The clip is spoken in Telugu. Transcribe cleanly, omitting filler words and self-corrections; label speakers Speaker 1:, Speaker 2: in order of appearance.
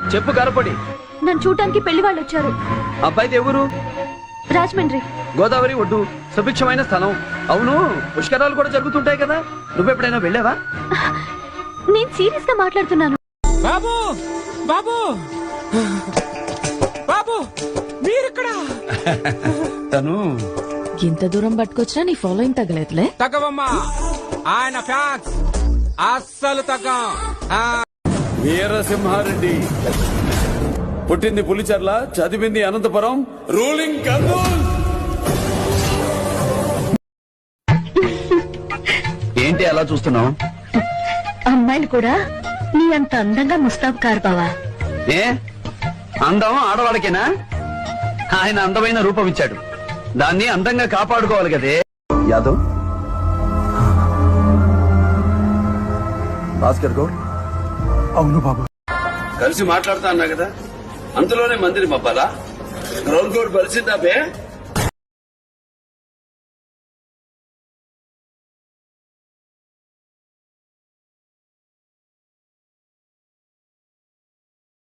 Speaker 1: చెప్పు కరపడి.
Speaker 2: నన్ను చూడటానికి పెళ్లి వాళ్ళు వచ్చారు.
Speaker 1: అబ్బాయిది ఎవరు?
Speaker 2: రాజమండ్రి.
Speaker 1: గోదావరి ఒడ్డు, సుభిక్షమైన స్థలం. అవును, పుష్కరాలు కూడా జరుగుతుంటాయి కదా, నువ్వెప్పుడైనా వెళ్ళావా?
Speaker 2: నేను సీరియస్ గా మాట్లాడుతున్నాను.
Speaker 3: బాబు బాబు బాబు మీరిక్కడ.
Speaker 1: తను
Speaker 4: ఇంత దూరం పట్టుకొచ్చినా నీ ఫాలోయింగ్ తగ్గలేదులే.
Speaker 3: తగ్గవమ్మా, ఆయన ఫ్యాన్స్ అస్సలు తగ్గం.
Speaker 5: వీరసింహారెడ్డి పుట్టింది పులిచెర్ల, చదివింది అనంతపురం, రూలింగ్ కర్నూల్.
Speaker 1: ఏంటి అలా చూస్తున్నావు?
Speaker 2: అమ్మాయిలు కూడా నీ అంత అందంగా ముస్తాబు కారు బావా.
Speaker 1: ఏ అందం ఆడవాళ్ళకేనా? ఆయన అందమైన రూపం ఇచ్చాడు, దాన్ని అందంగా కాపాడుకోవాలి కదే. యాదవ్, భాస్కర్ గౌడ్.
Speaker 5: అవును బాబు.
Speaker 1: కలిసి మాట్లాడుతా అన్నా కదా, అంతలోనే మందిని మబ్బాలా? గ్రౌండ్ కోడ్ బలిసిందా బే?